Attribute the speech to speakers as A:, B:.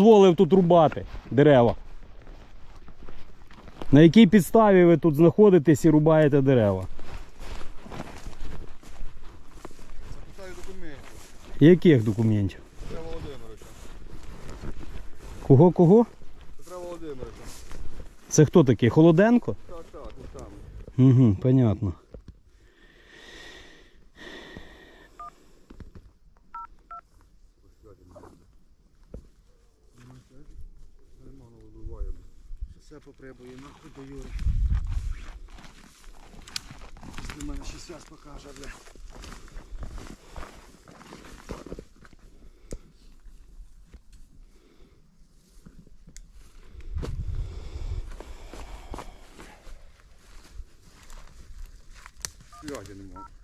A: дозволив тут рубати дерева? На якій підставі ви тут знаходитесь і рубаєте дерева?
B: Запитаю документів.
A: Яких документів?
B: Петра Володимировича.
A: Кого?
B: Петра Володимировича.
A: Це хто такий? Холоденко?
B: Так, він там.
A: Угу, понятно.
B: Все поприбує, нахуй до Юри. Після мене ще связь покаже, бля. Связи нема.